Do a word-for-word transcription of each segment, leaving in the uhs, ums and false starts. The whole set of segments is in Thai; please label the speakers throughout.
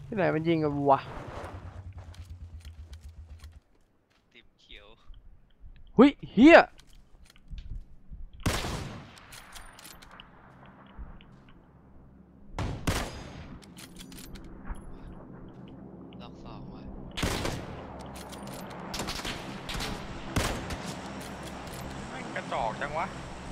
Speaker 1: ที่ไหนมันยิงกันวะ
Speaker 2: ติ่มเขียว
Speaker 1: หุยเฮีย
Speaker 2: ล็อกสองว่ะ
Speaker 3: ไม่กระจอกจังวะ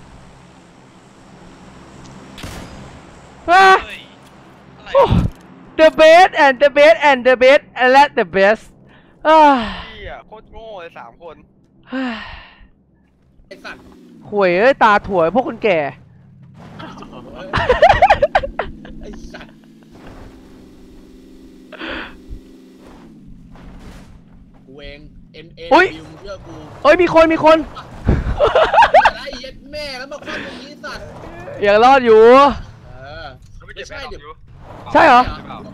Speaker 1: ว้า
Speaker 2: เฮ้ยอะไร
Speaker 1: the best and the best and the best and let the best อ้า
Speaker 3: พี่อะโคตรโง่เลยสามคนไอสัตว์
Speaker 1: ข่วยเอ้ยตาถั่วพวกคนแก่
Speaker 3: ไอสัตว์กูเองเอ็นเอ็นบิวเชื่อกู
Speaker 1: เอ้ยมีคนมีคน
Speaker 3: อะไรเย็ดแม่แล้วมาคว้าตรงนี้สัตว์
Speaker 1: ยังรอดอยู่
Speaker 3: เออไม่ใช่เดี๋ยว
Speaker 1: ใช่เหรอ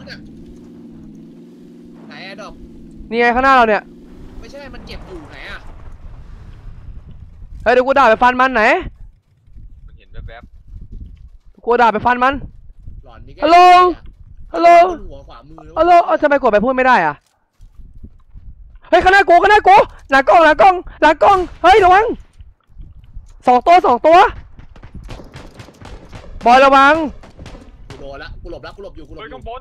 Speaker 3: ไหนอะดอก
Speaker 1: นี่ไงข้างหน้าเราเนี่ย
Speaker 3: ไม่ใช่มันเก็บอยู่ไหนอะ
Speaker 1: เฮ้ยเดี๋ยวกูด่าไปฟันมันไหน
Speaker 3: มันเห็นแวบ
Speaker 1: กูด่าไปฟันมัน
Speaker 3: ๆหลอนนี่
Speaker 1: ฮัลโหลฮัลโหล
Speaker 3: หัวขวามือ
Speaker 1: ฮัลโหลเอ้าทำไมกดไปพูดไม่ได้อะเฮ้ยข้างหน้ากูข้างหน้ากูหลังกล้องหลังกล้องหลังกล้องเฮ้ยระวังสองตัวสองตัวบอยระวัง
Speaker 3: กูโดนละกูหลบละกูหลบอยู่กูหลบอยู่บน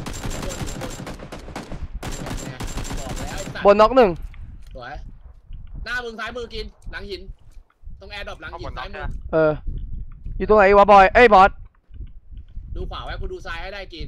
Speaker 3: บอกแล้วไอ้สัตว์
Speaker 1: บนน็อกหนึ่ง
Speaker 3: สวยหน้ามึงซ้ายมือกินหลังหินตรงแอร์ดรอปหลังหินซ้ายมือ
Speaker 1: เอออยู่ตรงไหนวะบอยเอ้ยบอส
Speaker 3: ดูขวาไว้กูดูซ้ายให้ได้กิน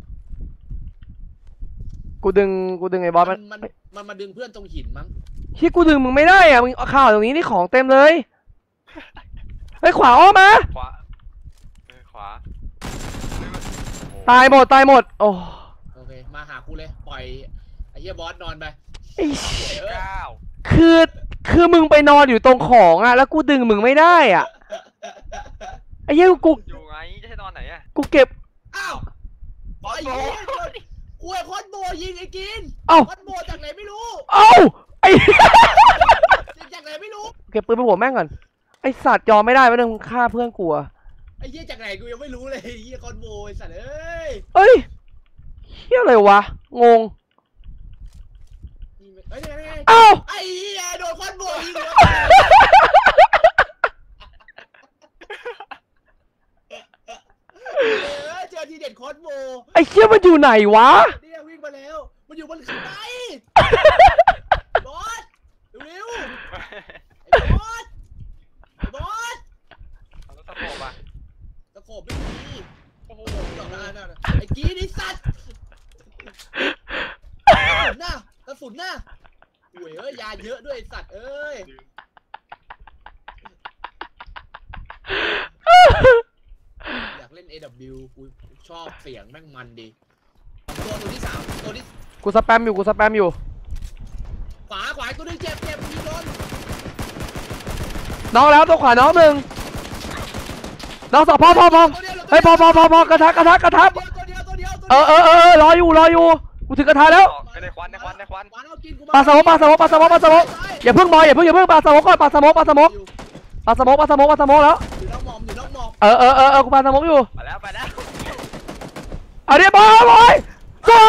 Speaker 1: กูดึงกูดึงไอ้บอสมัน
Speaker 3: มันมันมาดึงเพื่อนตรงหินมั้ง
Speaker 1: ที่กูดึงมึงไม่ได้อ่ะมึงเอาข่าวตรงนี้นี่ของเต็มเลยเฮ้ยขวาอ้อมมา
Speaker 3: ขวาขวา
Speaker 1: ตายหมดตายหมดโอ้
Speaker 3: โอเคมาหากูเลยปล่อยไอ้เหี้ยบอสนอนไป
Speaker 1: ไอ้
Speaker 3: เก้า
Speaker 1: คือคือมึงไปนอนอยู่ตรงของอ่ะแล้วกูดึงมึงไม่ได้อ่ะไอ้เหี้ยกู
Speaker 3: อยู่ไงจะให้นอนไหนอะ
Speaker 1: กูเก็บ
Speaker 3: อ้าวบอสโบกูไอ้คอนโบยิงไอ้กิน
Speaker 1: เอ้า
Speaker 3: คอนโบจากไหนไม่รู้
Speaker 1: เอ้าไอ้
Speaker 3: จากไหนไม่รู้
Speaker 1: เก็บปืนไปหัวแม่งก่อนไอ้สัตว์ยอมไม่ได้ไม่ต้องฆ่าเพื่อนกูอ่ะ
Speaker 3: ไอ้เหี้ยจากไหนกูยังไม่รู้เลยไอ้เหี้ยคอนโบไอ้สัตว์เอ้ย
Speaker 1: เอ้ยเหี้ยอะไรวะงง
Speaker 3: เฮ้ยไงไง
Speaker 1: เอ้า
Speaker 3: ไอ้เหี้ยโดนคอนโบยิงเลยเออเจอทีเด็ดคอนโบ
Speaker 1: ไอ้เหี้ยมันอยู่ไหนวะ
Speaker 3: เนี่ยวิ่งมาแล้วมันอยู่บนขึ้นไปบอสเร็วๆไอ้บอสไอ้บอส
Speaker 2: ตะโขบอ่ะ
Speaker 3: ตะโขบไม่มีโอ้โหดอกหน้าหน้าไอ้กีนี่สัตว์กระสุนหน้ากระสุนหน้าโอ้ยเอ้ยยาเยอะด้วยไอ้สัตว์เอ้ยอยากเล่น เอ ดับเบิลยู กูชอบเสียงแม่งมันดีตัวตัวที่สามตัวที่
Speaker 1: กูสแปมอยู่กูสแปมอยู่
Speaker 3: ขวาขวาตัวนึงเจ็บเจ็บยิงโดน
Speaker 1: น้องแล้วตัวขวาน้องหนึ่งน้องสองพอพอพอเฮ้ยพอพอพอพอกระทะกระทะกระทะ
Speaker 3: ตัวเดียวตัวเดียวตัว
Speaker 1: เอ
Speaker 3: เดียว
Speaker 1: อเออเออเออรออยู่รออยู่กูถึงกระทะแล้ว
Speaker 3: ในควันในควันในควัน
Speaker 1: ปลาสมกปลาสมกปลาสมกปลาสมกอย่าเพิ่งบอยอย่าเพิ่งอย่าเพิ่งปลาสมกก่อนปลาสมกปลาสมกปลาสมกปลาสมกปลาสมกแล้ว
Speaker 3: อยู่น้องหมอมอยู่น้องหมอม
Speaker 1: เออเออเออเออกูปลาสมกอยู่
Speaker 3: ไปแล้วไปแล้ว
Speaker 1: เอาดิบอยบอยใช่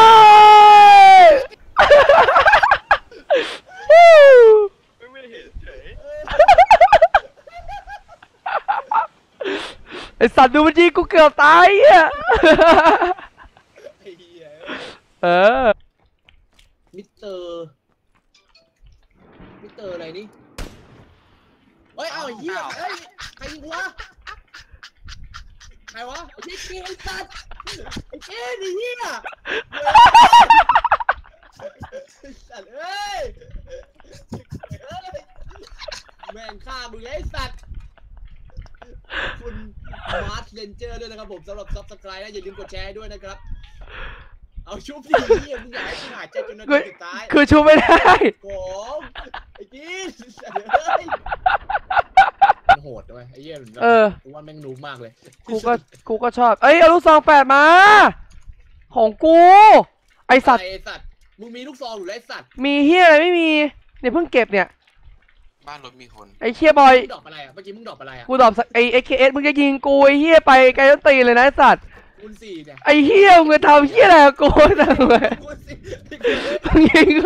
Speaker 3: ไม่เห็นเฉย
Speaker 1: ไอสัตว์ดูมันยิงกูเกือบตายอ่ะเออ
Speaker 3: มิสเตอร์มิสเตอร์อะไรนี่เฮ้ยเอาเหี้ยเฮ้ยใครยิงวะใครวะไอ้เหี้ยไอ้สัตว์ไอ้เหี้ยไอ้เหี้ยไอ้สัตว์เอ้ยแม่งฆ่ามึงไอ้สัตว์คุณมาร์ชเลนเจอร์ด้วยนะครับผมสำหรับซับสไครต์นะอย่าลืมกดแชร์ด้วยนะครับเอาชุบดิเหี้ยมึงอยากให้กูหายใจจนนาทีสุดท้าย
Speaker 1: คือชูไม่ได้
Speaker 3: โอ้ไอ้กีนเฮ้ยมันโหดด้วยไอ้เหี้ยเออกูว่าแม่งนูมากเลย
Speaker 1: กูก็กูก็ชอบเอ้ยเอาลูกซองแปดมาของกูไอสัตว์
Speaker 3: ไอ้สัตว์มึงมีลูกซองหรือไรสัตว์
Speaker 1: มีเฮียอะไรไม่มีเนี่ยเพิ่งเก็บเนี่ย
Speaker 2: บ้านรถมีคน
Speaker 1: ไอเฮียบอย
Speaker 3: มึงดอกอะไรอ่ะเมื่อกี้มึงดอกอะไรอ่ะ
Speaker 1: กูตอบไอเอเคเอสมึงจะยิงกูไอเฮียไปไกลต้นตีเลยนะไอสัตว์
Speaker 3: มคูณสี่เนี่ย
Speaker 1: ไอ้เหี้ยมึงจะทำเหี้ยอะไรกับกูจังเลย
Speaker 3: คูณสี่
Speaker 1: มึงยิงกู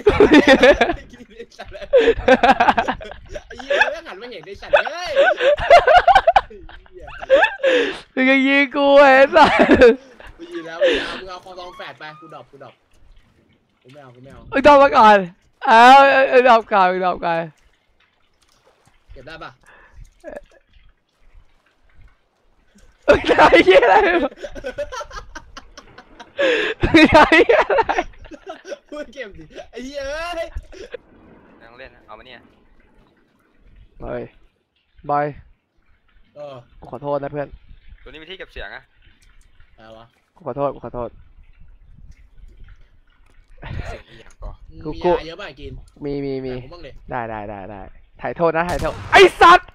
Speaker 3: ไอ้เหี้ยไม่หันมาเห็นในสัตว์เลย
Speaker 1: มึงยังยิงกูไอ้สัส
Speaker 3: กูยิงแล้วมึงเอามึงเอาคอซองแฝดไปกูดรอปกูดรอปกูไม่เอากูไม่เอา
Speaker 1: มึงดอกมาก่อนเอาเอาดอกก่อนมึงดอกก่อน
Speaker 3: เก็บได้ปะ
Speaker 1: มึงทำเหี้ยอะไรมึงทำเหี้ยอะไร
Speaker 3: พูดเก็บดิไอ้เหี้ยเอ้ย
Speaker 2: นั่งเล่นนะเอามาเนี่ย
Speaker 1: บอยบอย
Speaker 3: เออ
Speaker 1: กูขอโทษนะเพื่อน
Speaker 2: ตัวนี้มีที่เก็บเสียงอะ
Speaker 3: อะไรวะ
Speaker 1: กูขอโทษกูขอโทษ
Speaker 2: เสียงอีหยังก็
Speaker 3: มึง
Speaker 1: กู
Speaker 3: มี
Speaker 1: กู
Speaker 3: ยาเยอะป่ะกิน
Speaker 1: มีมีมี
Speaker 3: ผมบ้างดิ
Speaker 1: ได้ได้ได้ได้ถ่ายโทษนะถ่ายโทษไอ้สัตว์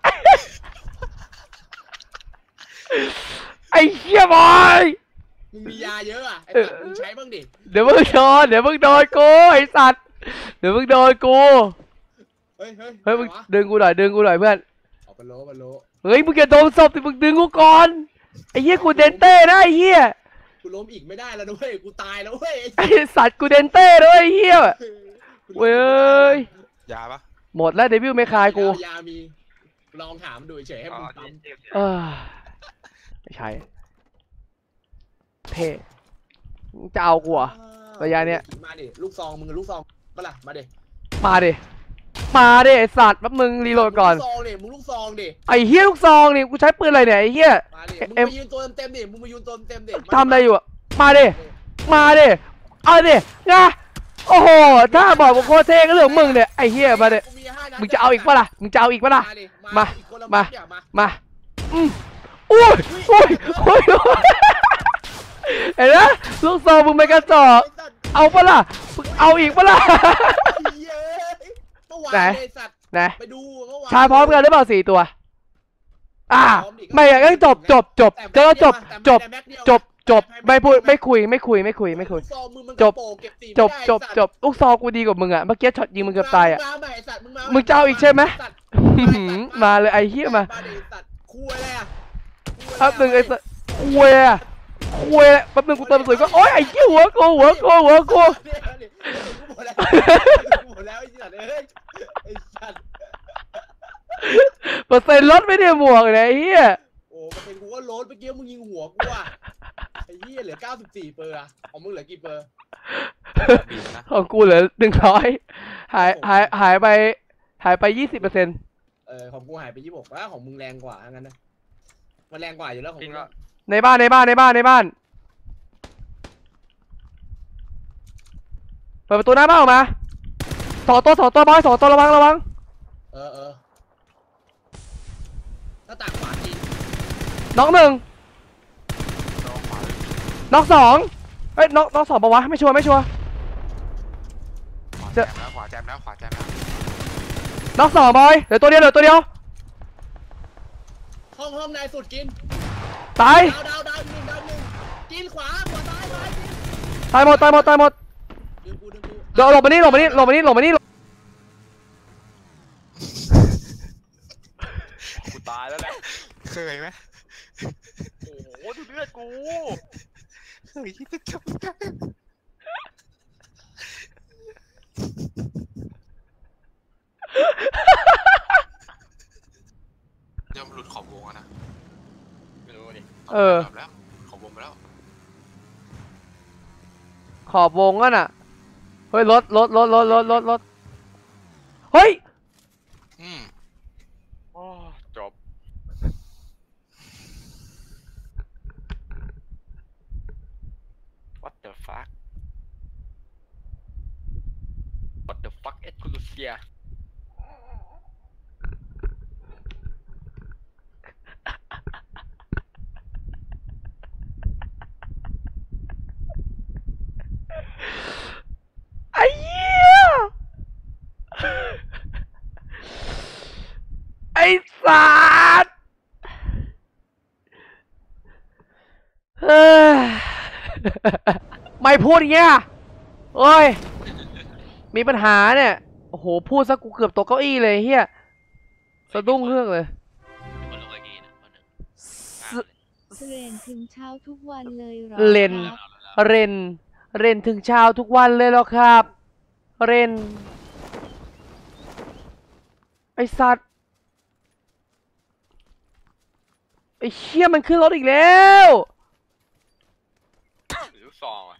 Speaker 1: ไอ้เหี้ยบอย
Speaker 3: มึงมียาเยอะอ่ะไอ้สัตว์มึงใช้บ้างดิ
Speaker 1: เดี๋ยวมึงโดนเดี๋ยวมึงโดนกูไอ้สัตว์เดี๋ยวมึงโดนกู
Speaker 3: เฮ้ยเฮ้ย
Speaker 1: เฮ้ยมึง
Speaker 3: อะไรวะ
Speaker 1: ดึงกูหน่อยดึงกูหน่อยเพื่อน
Speaker 3: เอาไปโลไปโล
Speaker 1: เฮ้ยมึงอย่าโดนศพสิมึงดึงกูก่อนไอ้เหี้ยกูเดนเต้นะไอ้เหี้ย
Speaker 3: กูล้มอีกไม่ได้แล้วนะเว้ยกูตายแล้วเว้ย
Speaker 1: ไอ้สัตว์กูเดนเต้ด้วยไอ้เหี้ยเว้ย
Speaker 2: ยาปะ
Speaker 1: หมดแล้วเดวิลไม่คายกู
Speaker 3: ยามีลองถามดูเฉยๆให้
Speaker 2: อ๋อ
Speaker 3: มึง
Speaker 2: ที่
Speaker 3: ปั๊ม
Speaker 2: เก็บเสียง
Speaker 1: เออไม่ใช่เท่มึงจะเอากูเหรอ ระยะเนี้ย
Speaker 3: มาดิลูกซองมึงลูกซองปะล่ะมาดิ
Speaker 1: มาดิมาดิไอ้สัตว์แป๊บมึงรีโหลดก่อน
Speaker 3: มึงลูกซองดิมึงลูกซองดิ
Speaker 1: ไอ้เหี้ยลูกซองนี่กูใช้ปืนอะไรเนี่ยไอ้เหี้ย
Speaker 3: มาดิ
Speaker 1: เอ็
Speaker 3: มึง
Speaker 1: ม
Speaker 3: มายืนตัวเต็มๆดิมึงมายืนตัวเต็มๆดิ
Speaker 1: ทำอะไรอยู่อะมาดิมาดิเอาดินะโอ้โหถ้าบอกว่าโคตรเท่ก็เรื่องของมึงเนี่ยไอ้เหี้ยมาดิ
Speaker 3: กูมีห้านัด
Speaker 1: มึงจะเอาอีกปะล่ะมึงจะเอาอีกปะล่ะ
Speaker 3: มาดิ
Speaker 1: มา
Speaker 3: อีกคนละ
Speaker 1: มา
Speaker 3: ดเนี่ยมา
Speaker 1: มาอืมอุ้ยอุ้ยอุ้ยเห็นไหมลูกซองมึงไม่กระจอก
Speaker 3: ไสัตว์
Speaker 1: เอาปะล่ะมึงเอาอีกปะล่ะ
Speaker 3: เย้ยเมื่อวาน
Speaker 1: ไหน
Speaker 3: เลยสัตว์
Speaker 1: นะ
Speaker 3: ไปดูเมื่อวาน
Speaker 1: ชาพร้อมกันหรือเปล่าสี่ตัว อ่า ไม่อยากให้จบจบจบเจอจบจบจบจบไม่พูดไม่คุยไม่คุยไม่คุยไม่คุย
Speaker 3: ลูกซองมึงมัน
Speaker 1: จบ
Speaker 3: กระโปรงเก็สี่
Speaker 1: จบ
Speaker 3: ไม่ได้
Speaker 1: จบ
Speaker 3: สัตว์
Speaker 1: จบลูกซองกูดีกว่ามึงอ่ะเมื่อกี้ช็อตยิงมึงเกือบตายอ่ะ
Speaker 3: มาใหม่ไสัตว์มึงมา
Speaker 1: มึงจะเอาอีกใช่ไหม
Speaker 3: สัตว์
Speaker 1: อื้อหือมาเลยไอ้เหี้ยมา
Speaker 3: ดิสัตว์คุยอะไรอ่ะ
Speaker 1: แป๊บนึงไอ้สัสคุยอะคุยอะแป๊บนึงกูเติมกระสุนก็โอ๊ยไอ้เหี้ยหัวกูหัวกูหัวกู
Speaker 3: เนี่ยเนี่ยกูหมดแล้วกูหมดแล้วไอ้สัตว์เอ้ยไอ้สัตว์
Speaker 1: เปอร์เซ็นต์ลดไม่ได้หมวกเลยไอ้เหี้ย
Speaker 3: โอ้มันเป็นกูก็โลดเมื่อกี้มึงยิงหัวกูอ่ะไอ้เหี้ยเหลือเก้าสิบสี่เปอร์อะของมึงเหลือกี่เปอร์
Speaker 2: บีบนะ
Speaker 1: ของกูเหลือหนึ่งร้อยหายหายหายไปหายไปยี่สิบเปอร์เซ็นต์
Speaker 3: เออของกูหายไปยี่สิบหกแล้วของมึงแรงกว่างั้นนะมันแรงกว่าอยู่แล้วของ
Speaker 2: จริง
Speaker 3: มึง
Speaker 2: ก็
Speaker 1: ในบ้านในบ้านในบ้านในบ้านเปิดประตูหน้าบ้านออกมาสองตัวสองตัวบอยสองตัวระวังระวัง
Speaker 3: เออเออหน้าต่างขวาจริง
Speaker 1: น็อกหนึ่ง
Speaker 2: น้องขวาเลย
Speaker 1: น็อกสองเอ้ยน็อกน็อกสองปะวะไม่ชัวร์ไม่ชัวร์
Speaker 2: ขวา
Speaker 1: เจ
Speaker 2: แจ
Speaker 1: อ
Speaker 2: มแล้วขวาแจมแล้วขวาแจมแล้ว
Speaker 1: น็อกสองบอยเหลือตัวเดียวเหลือตัวเดียว
Speaker 3: ห้องห้องในสุดกิน
Speaker 1: ตาย
Speaker 3: ดาวดาวดาวหนึ่งดาวหนึ่งกินขวาขวาซ้ายซ้ายกิน
Speaker 1: ตายหมดตายหมดตายหมด
Speaker 3: ดึงกูดึงกู
Speaker 1: เดี๋ยวหลบมานี่หลบมานี่หลบมานี่หลบมานี่
Speaker 2: กูตายแล้วแหละเคยไหมโอ้โหดูเลือดกูเคยที่จะจบได้เดี๋ยวมันหลุดขอบวงอะนะไม่รู้ดิ
Speaker 1: เออ
Speaker 2: หลุดแล้วขอบวงไปแล้ว
Speaker 1: ขอบวงอ่ะน่ะเฮ้ยรถรถรถรถรถรถรถเฮ้ย
Speaker 2: อืมโอ้จบ What the fuck What the fuck เอ็ดคูลูเซีย
Speaker 1: ไอ้เหี้ยไอ้สัตว์เฮ้ยไม่พูดอย่างเงี้ยโอ้ยมีปัญหาเนี่ยโอ้โหพูดซะกูเกือบตกเก้าอี้เลยเฮียสะดุ้งเครื่องเลย
Speaker 2: คนลงไอ้กี้นะคนหนึ่ง
Speaker 1: ส
Speaker 4: เรียนถึงเช้าทุกวันเลยเหรอ
Speaker 1: เล่น
Speaker 4: ครับ
Speaker 1: เรนเรนถึงเช้าทุกวันเลยเหรอครับ เรนไอสัตว์ไอเชี่ยมันขึ้นรถอีกแล้ว
Speaker 2: หรือลูกซองอ่ะ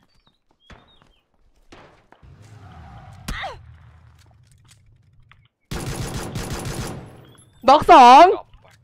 Speaker 1: น็อกสอง
Speaker 2: ดรอปว่ะ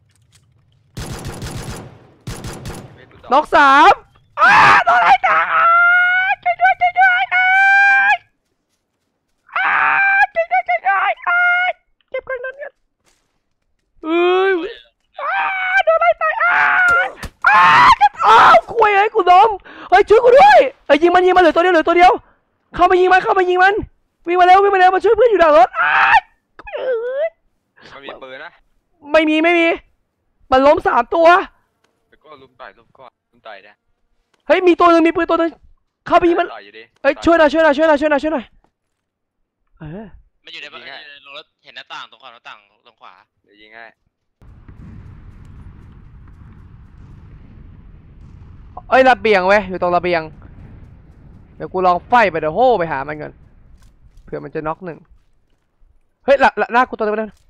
Speaker 2: ไม่รู้ดรอป
Speaker 1: น็อกสามอ้าโดนไล่ตายช่วยด้วยช่วยด้วยอ้ายอ้ายช่วยด้วยช่วยด้วยอ้ายเก็บกันนั้นกันเอ้ยอ้าโดนไล่ตายอ้ายอ้ายจะอ้าวคุยไอ้กูล้มเฮ้ยช่วยกูด้วยเฮ้ยยิงมันยิงมันเหลือตัวเดียวเหลือตัวเดียวเข้ามายิงมันเข้ามายิงมันวิ่งมาเร็ววิ่งมาเร็วมาช่วยเพื่อนอยู่หลังรถอ้ายเอ้ย
Speaker 2: มันมีปืนนะ
Speaker 1: ไม่มีไม่มีมันล้มสามตัว
Speaker 2: แล้วก็ลุมต่อยลุมก่อนลุมต่อยนะ
Speaker 1: เฮ้ยมีตัวหนึ่งมีปืนตัวหนึ่งเข้าไปยิงมัน
Speaker 2: ต่อยอยู่ดิ
Speaker 1: เอ้ยช่วยหน่อยช่วยหน่อยช่วยหน่อยช่วยหน่อยช่วยหน่อยเออ
Speaker 5: มันอยู่ในบ้านอยู่ในโรงรถเห็นหน้าต่างตรงขวาหน้าต่างตรงขวา
Speaker 2: เดี๋ยวยิงให้
Speaker 1: เอ้ยระเบียงเว้ยอยู่ตรงระเบียงเดี๋ยวกูลองไฟไปเดี๋ยวโห่ไปหามันก่อนเผื่อมันจะน็อกหนึ่งเฮ้ยหลัหน้ากูตัวเดียวนั้น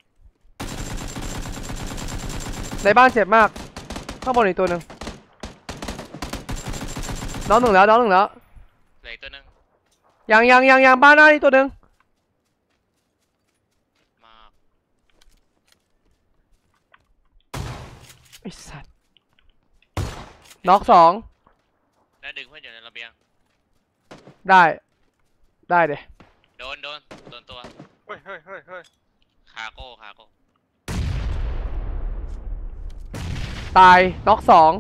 Speaker 1: ในบ้านเจ็บมากข้างบนอีกตัวหนึ่งน้องหนึ่งแล้วน้องหนึ่งแล้ว
Speaker 5: เหลืออีกตัวหนึง
Speaker 1: ยังยังยังยังบ้านหน้านี่ตัวหนึ่ง
Speaker 5: มา
Speaker 1: ไอ้สัตว์น็อกสอง
Speaker 5: แล้วดึงเพื่อนอยู่ในระเบียง
Speaker 1: ได้ได้เดี๋ย
Speaker 5: โดนโดนโดนตัว
Speaker 2: เฮ้ยเฮ้ยเฮ้ยเฮ้ย
Speaker 5: คาโก้คาโก้
Speaker 1: ตายน็อกสอง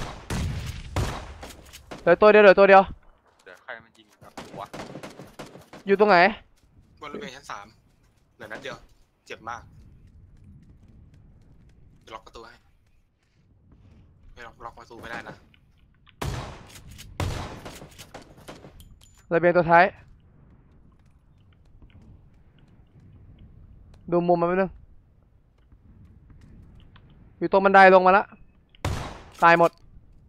Speaker 1: เหลือตัวเดียวเหลือตัวเดียว
Speaker 2: เดี๋ยวใครมันยิงครับหัว
Speaker 1: อยู่ตรงไหน
Speaker 6: บนระเบียงชั้นสามเหลือนัดเดียว เจ็บมากเดี๋ยวล็อกประตูให้ไม่ล็อกล็อกประตูไม่ได้นะ
Speaker 1: ระเบียงตัวท้ายดูมุมมันไปนึงอยู่ตรงบันไดลงมาละตายหมด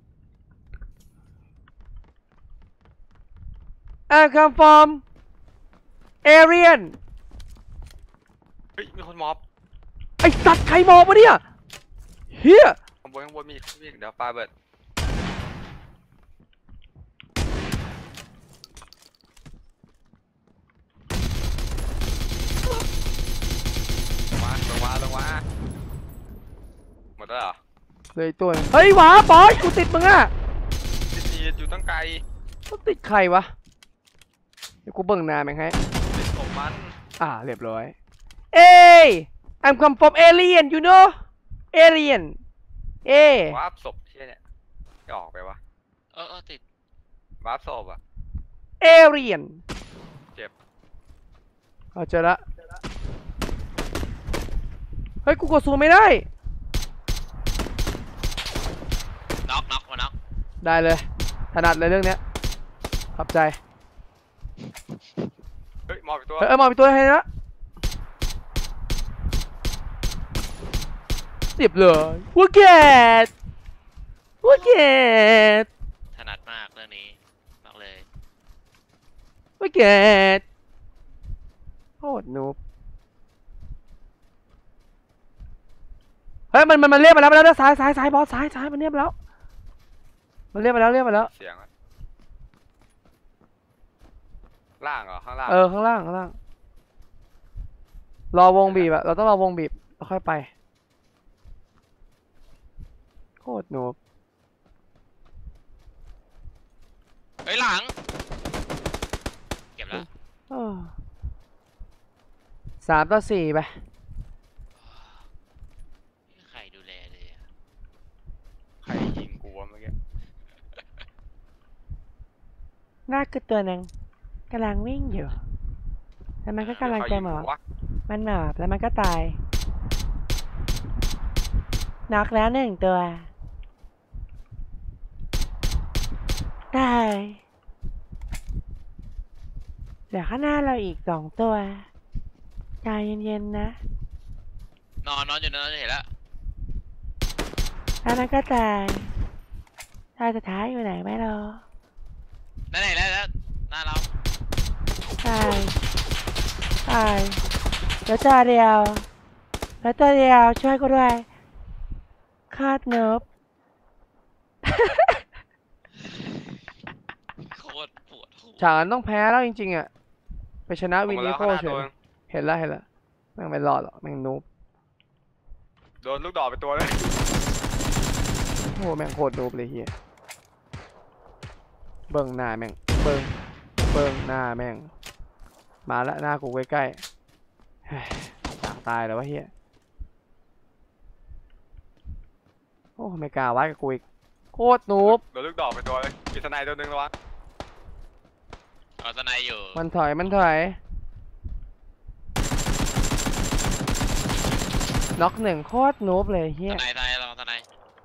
Speaker 1: I come from Aryan
Speaker 2: เฮ้ยมีคนมอบ
Speaker 1: ไอสัตว์ใครมองวะเนี่ยเฮีย
Speaker 2: ข้างบนข้างบนมีมีเดี๋ยวปาเบิดลงมาลงมาลงมาหมดแล้วเหรอ
Speaker 1: เลยตัวหนึ่งเฮ้ยหวาบอยกูติดมึงอ่ะ
Speaker 2: ติดติดอยู่ตั้งไกล
Speaker 1: กูติดใครวะเดี๋ยวกูเบิ่งหน้าแม่งให้
Speaker 2: ติดศพมัน
Speaker 1: อ่าเรียบร้อยเอ้ย I'm come from Alien you know Alien เอ้
Speaker 2: วาร์ปศพเชี่ยเนี่ยจะออกไปวะ
Speaker 5: เออเออติด
Speaker 2: วาร์ปศพอ่ะ
Speaker 1: Alien
Speaker 2: เจ็บ
Speaker 1: เอาเจอละเฮ้ยกูกดซูมไม่ได้
Speaker 5: น็อกน็อกมาน็อก
Speaker 1: ได้เลยถนัดเลยเรื่องเนี้ยขอบใจ
Speaker 2: เฮ้ยมอบอีกตัว
Speaker 1: เฮ้ยเออมาเป็นตัวให้นะเรียบเลยวัวแกดวัวแกด
Speaker 5: ถนัดมากเรื่องนี้มากเลย
Speaker 1: วัวแกดโคตรนูบเฮ้ยมันมันมันเรียกมาแล้วมาแล้วซ้ายซ้ายซ้ายบอสซ้ายซ้ายมันเรียกมาแล้วมันเรียกมาแล้วเรียกมาแล้ว
Speaker 2: เสียงอะล่างเหรอข้างล่าง
Speaker 1: เออข้างล่างข้างล่างรอวงบีบอะเราต้องรอวงบีบแล้วค่อยไปโคตรนูบ
Speaker 5: เฮ้ยหลังเก็บแล้ว
Speaker 1: เออสามต่อสี่ไป
Speaker 5: ใครดูแลเลยอะ
Speaker 2: ใครยิงกูวะเมื่อกี้
Speaker 1: หน้าคือตัวหนึ่งกำลังวิ่งอยู่แล้วมันก็กำลังจะหมอบ
Speaker 2: วะ
Speaker 1: มันหมอบแล้วมันก็ตายน็อกแล้วหนึ่งตัวตายเหลือข้างหน้าเราอีกสองตัวใจเย็นๆนะ
Speaker 5: นอนนอนอยู่นอนจะเห็นแล้ว
Speaker 1: แล้วมันก็ตายท่าสุดท้ายอยู่ไหนไม่รอ
Speaker 5: นั่นไหนแล้วแล้วหน้าเรา
Speaker 1: ตายตายแล้วตัวเดียวแล้วตัวเดียวช่วยกูด้วยคาดเนิบ
Speaker 5: โคตรปวดหัว
Speaker 1: ฉากนั้นต้องแพ้แล้วจริงๆอ่ะไปชนะวินนิโค
Speaker 6: ลงมา
Speaker 1: เฉ
Speaker 6: แล้ว
Speaker 1: ยเห็นแล้วเห็นแล้วแม่งไม่รอดหรอกแม่งนูบ
Speaker 6: โดนลูกดอกไปตัวเลย
Speaker 1: โอ้แม่งโคตรนูบเลยเฮียเบิ่งหน้าแม่งเบิ่งเบิ่งหน้าแม่งมาละหน้ากูใกล้ๆเฮ้ยอยากตายแล้ววะเฮียโอ้ไม่กล้าวัดกับกูอีกโคตรนูบ
Speaker 6: โดนลูกดอกไปตัวเลยมีทนายตัวหนึงระวัง
Speaker 5: เอาตะไนอยู่
Speaker 1: มันถอยมันถอยน็อกหนึ่งโคตรนูบเลยเฮีย
Speaker 5: ตะไนตะไนลองตะไน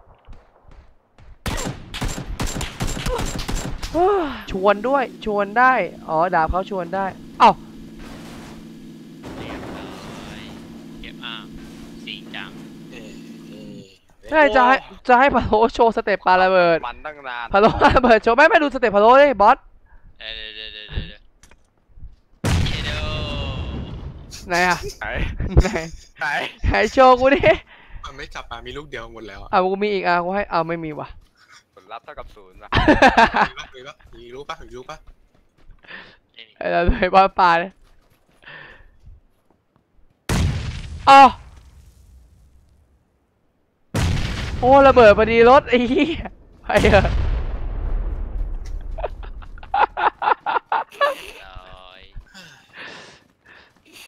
Speaker 1: ชวนด้วยชวนได้อ๋อดาบเขาชวนได้เอ้า
Speaker 5: เรียบร้อยเก็บอ่างสีจัง
Speaker 3: เอ้ยเอ้ย
Speaker 1: ใช่จะให้จะให้พะโล้โชว์สเต็ปปาระเบิด
Speaker 6: มันตั้งนาน
Speaker 1: พะโล้ปาระเบิดโชว์ไม่ไม่ดูสเต็ปพะโล้เลยบอส
Speaker 5: เดี๋ยวเดี๋ยวเดี๋ยวเดี๋ยวเดี๋ยวเดี๋ยวเดี๋ยว
Speaker 1: ไหนอะ
Speaker 6: ไหน
Speaker 1: ไหน
Speaker 6: ไหน
Speaker 1: ไหนโชว์กูดิ
Speaker 7: มันไม่กลับมามีลูกเดียวหมดแล้วอะ
Speaker 1: อ่ะกูมีอีกอ่ะกูให้เอาไม่มีว่ะ
Speaker 6: ผลลัพธ์เท่ากับศูนย์นะ
Speaker 7: มีปะมีปะมีรู้ปะมีรู้ปะ
Speaker 5: ไม่มี
Speaker 1: ไอ้เราไปบอสปลาเลยอ้าวโอ้ระเบิดพอดีรถไอ้เหี้ยไปเถอะ